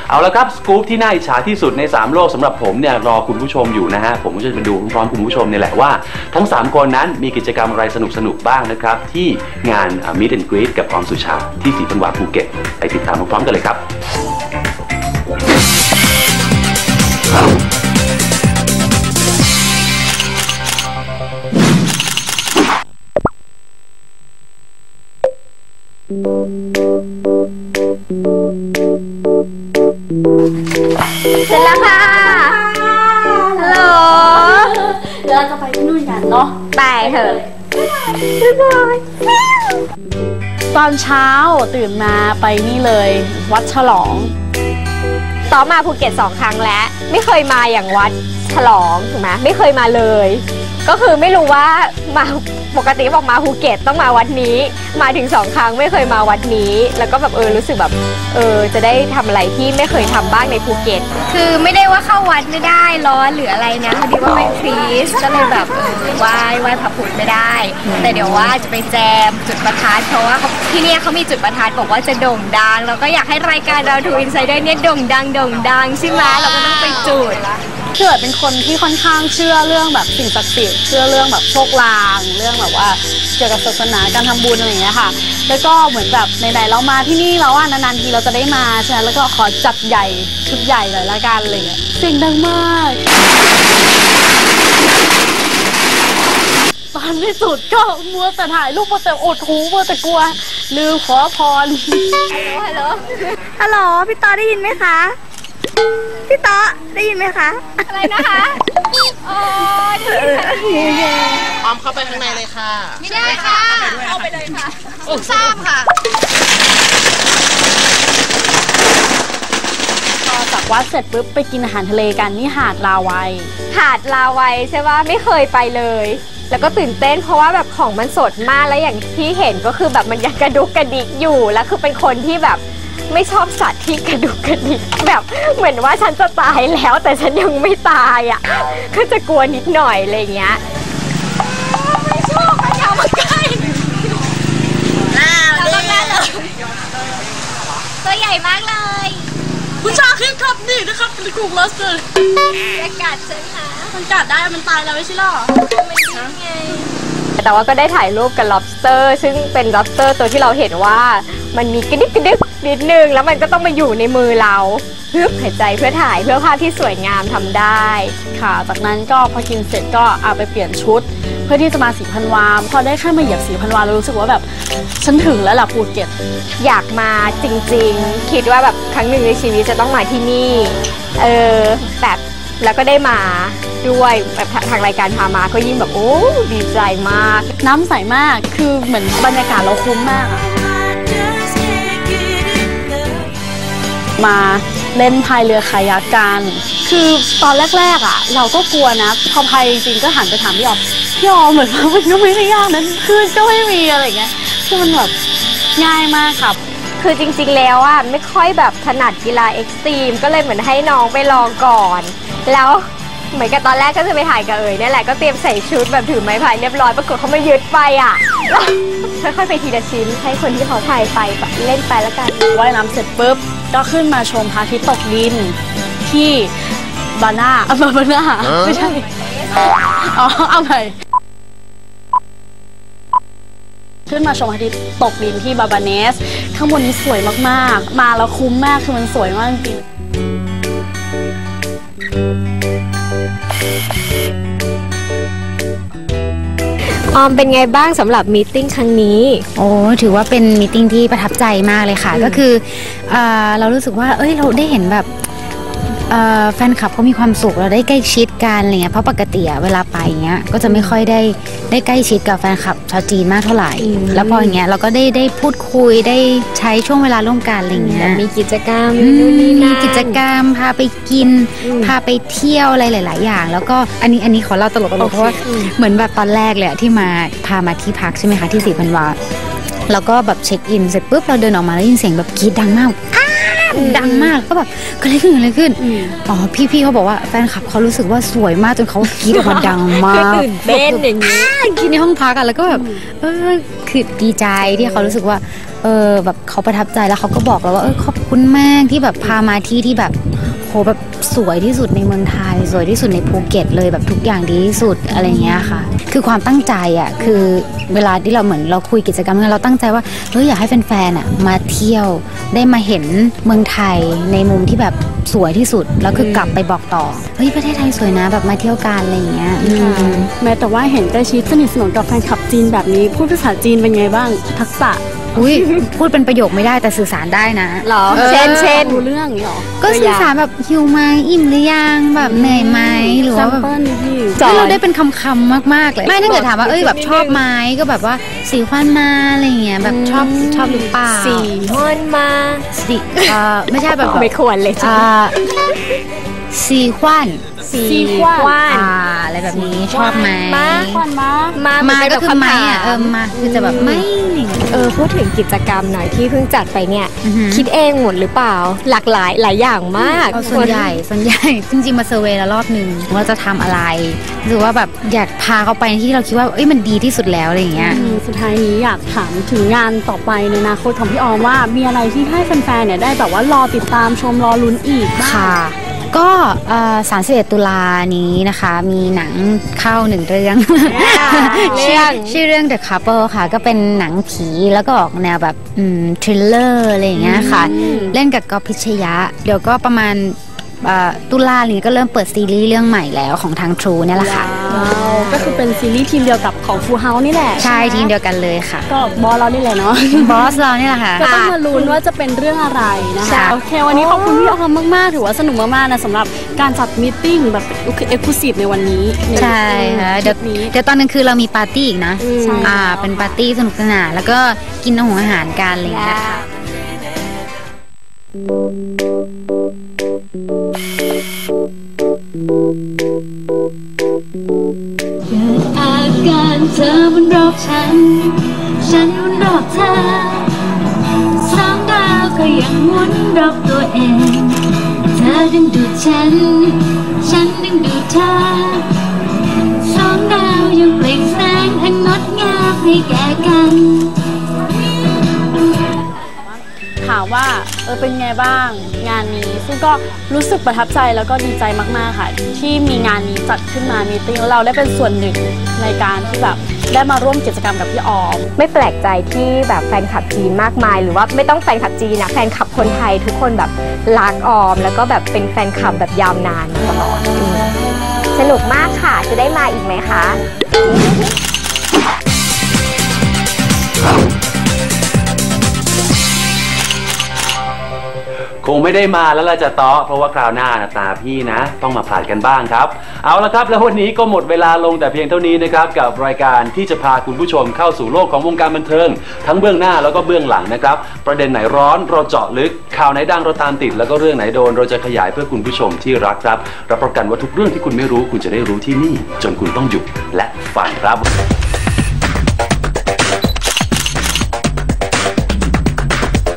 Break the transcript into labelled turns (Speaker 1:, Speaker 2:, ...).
Speaker 1: เอาละครับสกู๊ปที่น่าอิจฉาที่สุดใน3โลกสำหรับผมเนี่ยรอคุณผู้ชมอยู่นะฮะผมก็จะมาดูพร้อมคุณผู้ชมนี่แหละว่าทั้ง3คนนั้นมีกิจกรรมอะไรสนุกบ้างนะครับที่งาน Meet and Greet กับออมสุชาที่ศรีพันวาภูเก็ตไปติดตามพร้อมๆกันเลยครับ
Speaker 2: เสร็จแล้วค่ะฮัลโหล
Speaker 3: เราจะไปที่นู่นกันเนาะ
Speaker 2: ไปเถอะ
Speaker 3: ตอนเช้าตื่นมาไปนี่เลยวัดฉลอง
Speaker 2: ต่อมาภูเก็ต2 ครั้งแล้วไม่เคยมาอย่างวัดฉลองถูกไหมไม่เคยมาเลยก็คือไม่รู้ว่ามาปกติบอกมาภูเก็ตต้องมาวัดนี้มาถึง2 ครั้งไม่เคยมาวัดนี้แล้วก็แบบรู้สึกแบบจะได้ทำอะไรที่ไม่เคยทำบ้างในภูเก็ตคือไม่ได้ว่าเข้าวัดไม่ได้ร้อนหรืออะไรนะพอดีว่าเป็นคริสก็เลยแบบไหว้พระพุทธไม่ได้แต่เดี๋ยวว่าจะไปแจมจุดประทัดเพราะว่าที่นี่เขามีจุดประทัดบอกว่าจะโด่งดังแล้วก็อยากให้รายการเราทูอินไซเดอร์เนี่ยโด่งดังใช่ไหมเราก็ต้องไปจุด
Speaker 3: เกิดเป็นคนที่ค่อนข้างเชื่อเรื่องแบบสิ่งศักดิ์สิทธิ์เชื่อเรื่องแบบโชคลางเรื่องแบบว่าเกี่ยวกับศาสนาการทำบุญอะไรอย่างเงี้ยค่ะแล้วก็เหมือนแบบไหนๆเรามาที่นี่แล้วนานๆทีเราจะได้มาใช่ไหมแล้วก็ขอจัดใหญ่ชุดใหญ่เลยละกันอะไรเงี้ยเสียงดังมากตอนที่สุดก็มัวแต่ถ่ายรูปมัวแต่อดหูมัวแต่กลัวลืมขอพร
Speaker 2: ฮัลโหลพี่ต่อได้ยินไหมคะพี่ต๊อได้ยินไหมคะอะไรนะคะอ๋อ
Speaker 4: ออมเข้าไปข้างในเลยค่ะ
Speaker 2: ไม่ได้ค่ะเข้าไปเลยค่ะทราบค่ะ
Speaker 3: พอจากวัดเสร็จปุ๊บไปกินอาหารทะเลกันที่หาดลาวัย
Speaker 2: ใช่ว่าไม่เคยไปเลยแล้วก็ตื่นเต้นเพราะว่าแบบของมันสดมากแล้วอย่างที่เห็นก็คือแบบมันยังกระดุกกระดิกอยู่แล้วคือเป็นคนที่แบบไม่ชอบสัตว์ที่กระดุกกระดิกแบบเหมือนว่าฉันจะตายแล้วแต่ฉันยังไม่ตายอ่ะก็จะกลัวนิดหน่อยอะไรเงี้ยไม่ชอบมันยาวมาใกล้เราต้องแน่เลยตัวใหญ่มากเลย
Speaker 3: ผู้ชายขึ้นครับนี่นะครับเป็นกลุ่มลอสเตอร์
Speaker 2: จะกัดฉันนะ
Speaker 3: มันกัดได้มันตายแล้วไม่ใช่หรอ
Speaker 2: มันดิ้นไงแต่ว่าก็ได้ถ่ายรูปกับ lobster ซึ่งเป็น lobster ตัวที่เราเห็นว่ามันมีกระดิกนิดนึงแล้วมันก็ต้องมาอยู่ในมือเราฮึบหายใจเพื่อถ่ายเพื่อภาพที่สวยงามทำได้
Speaker 3: ค่ะจากนั้นก็พอกินเสร็จก็เอาไปเปลี่ยนชุดเพื่อที่จะมาศรีพันวาพอได้แค่มาเหยียบศรีพันวาเรารู้สึกว่าแบบฉันถึงแล้วล่ะภูเก็ต
Speaker 2: อยากมาจริงๆคิดว่าแบบครั้งหนึ่งในชีวิตจะต้องมาที่นี่แบบแล้วก็ได้มาด้วยแบบทางรายการพามาก็ยิ่งแบบโอ้ดีใจมาก
Speaker 3: น้ำใสมากคือเหมือนบรรยากาศเราคุ้มมากมาเล่นพายเรือคายักกันคือตอนแรกๆเราก็กลัวนะพอพายจริงๆก็หันไปถามพี่ออมเหมือนว่ามันก็ไม่ได้ยากนั้นคือก็ไม่มีอะไรเงี้ยคือมันแบบง่ายมากครับ
Speaker 2: คือจริงๆแล้วไม่ค่อยแบบถนัดกีฬาเอ็กซ์ตรีมก็เลยเหมือนให้น้องไปลองก่อนแล้วเหมือนกับตอนแรกก็จะไปถ่ายกับนี่แหละก็เตรียมใส่ชุดแบบถือไม้พายเรียบร้อยปรากฏเขามายึดไปค่อยๆไปทีละชิ้นให้คนที่เขาถ่ายไปเล่นไปแล้วกัน
Speaker 3: ว่ายน้ำเสร็จปุ๊บก็ขึ้นมาชมพระอาทิตย์ตกดินที่บาน่าไม่ใช่เอาใหม่ขึ้นมาชมพระอาทิตย์ตกดินที่บาบาเนสข้างบนนี้สวยมากๆมาแล้วคุ้มมากคือมันสวยมากจริง
Speaker 2: ออมเป็นไงบ้างสำหรับมีตติ้งครั้งนี้
Speaker 5: โอ้ถือว่าเป็นมีตติ้งที่ประทับใจมากเลยค่ะก็คือเรารู้สึกว่าเราได้เห็นแบบ แฟนคลับเขามีความสุขเราได้ใกล้ชิดกันอะไรเงี้ยเพราะปกติเวลาไปเงี้ยก็จะไม่ค่อยได้ใกล้ชิดกับแฟนคลับชาวจีนมากเท่าไหร่แล้วพออย่างเงี้ยเราก็ได้พูดคุยได้ใช้ช่วงเวลาร่วมกันอะไรเงี้ย
Speaker 2: มีกิจกรรม
Speaker 5: มีกิจกรรมพาไปกินพาไปเที่ยวอะไรหลายๆอย่างแล้วก็อันนี้ขอเล่าตลกเพราะว่าเหมือนแบบตอนแรกเลยที่พามาที่พักใช่ไหมคะที่ศรีพันวาแล้วก็แบบเช็คอินเสร็จปุ๊บเราเดินออกมาแล้วยินเสียงแบบกรี๊ดดังมากก็แบบเกิดอะไรขึ้นอ๋อพี่เขาบอกว่าแฟนคลับเขารู้สึกว่าสวยมากจนเขากรี๊ดออกมาดังมาก
Speaker 2: ตื่นเต้นอย่างนี้
Speaker 5: กรี๊ดในห้องพักแล้วก็แบบคือดีใจที่เขารู้สึกว่าแบบเขาประทับใจแล้วเขาก็บอกเราว่าขอบคุณมากที่แบบพามาที่แบบโหแบบสวยที่สุดในเมืองไทยสวยที่สุดในภูเก็ตเลยแบบทุกอย่างดีที่สุดอะไรเงี้ยค่ะคือความตั้งใจอ่ะคือเวลาที่เราเหมือนเราคุยกิจกรรมเราตั้งใจว่าอยากให้แฟนๆอ่ะมาเที่ยวได้มาเห็นเมืองไทยในมุมที่แบบสวยที่สุดแล้วคือกลับไปบอกต่อประเทศไทยสวยนะแบบมาเที่ยวกันอะไรอย่างเงี้ย
Speaker 3: แม้แต่ว่าเห็นใกล้ชิดสนิทสนมกับแฟนคลับจีนแบบนี้พูดภาษาจีนเป็นไงบ้างทักษะ
Speaker 5: พูดเป็นประโยคไม่ได้แต่สื่อสารได้นะ
Speaker 2: หรอเช่น
Speaker 3: รู้เรื่องหรอ
Speaker 5: ก็สื่อสารแบบหิวไหมอิ่มหรือยังแบบเหนื่อยไหมหรือว่าแบบเราได้เป็นคำมากๆเลยไม่ถ้าเกิดถามว่าแบบชอบไหมก็แบบว่าสีควันมาอะไรเงี้ยแบบชอบหรือเปล่า
Speaker 2: สีควันมา
Speaker 5: สีไม่ใช่แบบ
Speaker 2: ไม่ควรเลย
Speaker 5: สีควันอะไรแบบนี้ชอบไหมมาก็คือไม่มาคือจะแบบไม่
Speaker 2: พูดถึงกิจกรรมหน่อยที่เพิ่งจัดไปเนี่ยคิดเองหมดหรือเปล่าหลากหลายอย่างมาก
Speaker 5: ส่วนใหญ่จริงๆมาเซอร์เวย์แล้วรอบนึงว่าจะทำอะไรหรือว่าแบบอยากพาเขาไปที่เราคิดว่ามันดีที่สุดแล้วอะไรอย่างเงี้ย
Speaker 3: สุดท้ายนี้อยากถามถึงงานต่อไปในอนาคตของพี่ออมว่ามีอะไรที่ให้แฟนๆเนี่ยได้แบบว่ารอติดตามชมรอลุ้นอีก
Speaker 5: ค่ะก็31 ตุลานี้นะคะมีหนังเข้า1 เรื่อง ชื่อเรื่อง The Couple ค่ะก็เป็นหนังผีแล้วก็ออกแนวแบบทริลเลอร์อะไรอย่างเงี้ยค่ะเล่นกับก๊อฟพิชยะเดี๋ยวก็ประมาณตุลานี้ก็เริ่มเปิดซีรีส์เรื่องใหม่แล้วของทาง True เนี่ยแหละค่ะ
Speaker 3: ก็คือเป็นซีรีส์ทีมเดียวกับของ Full House นี่แหละ
Speaker 5: ใช่ทีมเดียวกันเลยค่ะ
Speaker 3: ก็บอสเรานี่แหละเนาะ
Speaker 5: บอสเรานี่แหละค่ะ
Speaker 3: ก็ต้องมาลุ้นว่าจะเป็นเรื่องอะไรนะคะโอเควันนี้ขอบคุณพี่ออมมากๆถือว่าสนุกมากๆนะสำหรับการจัดมีตติ้งแบบเอ็กซ์คลูซีฟในวันนี้
Speaker 5: ใช่ค่ะเดี๋ยวตอนนึงคือเรามีปาร์ตี้อีกนะเป็นปาร์ตี้สนุกสนานแล้วก็กินอาหารกันอะไรอย่างเงี้ยค่ะ
Speaker 4: เกิดอาการเธอมันรอบฉันมันรอบเธอสองดาวก็ยังหมุนรอบตัวเองเธอดึงดูดฉันดึงดูดเธอสองดาวยังเปล่งแสงอันงดงามให้แก่กัน
Speaker 3: ถามว่าเป็นไงบ้างงานนี้ซึ่งก็รู้สึกประทับใจแล้วก็ดีใจมากๆค่ะที่มีงานนี้จัดขึ้นมามีติ้งแล้วเราได้เป็นส่วนหนึ่งในการที่แบบได้มาร่วมกิจกรรมกับพี่ออม
Speaker 2: ไม่แปลกใจที่แบบแฟนคลับจีนมากมายหรือว่าไม่ต้องแฟนคลับจีนนะแฟนคลับคนไทยทุกคนแบบรักออมแล้วก็แบบเป็นแฟนคลับแบบยาวนานตลอดสนุกมากค่ะจะได้มาอีกไหมคะ
Speaker 1: คงไม่ได้มาแล้วล่ะจะเตาะเพราะว่าคราวหน้าตาพี่นะต้องมาผ่านกันบ้างครับเอาละครับแล้ววันนี้ก็หมดเวลาลงแต่เพียงเท่านี้นะครับกับรายการที่จะพาคุณผู้ชมเข้าสู่โลกของวงการบันเทิงทั้งเบื้องหน้าแล้วก็เบื้องหลังนะครับประเด็นไหนร้อนเราเจาะลึกข่าวไหนดังเราตามติดแล้วก็เรื่องไหนโดนเราจะขยายเพื่อคุณผู้ชมที่รักครับรับประกันว่าทุกเรื่องที่คุณไม่รู้คุณจะได้รู้ที่นี่จนคุณต้องหยุดและฟังครับ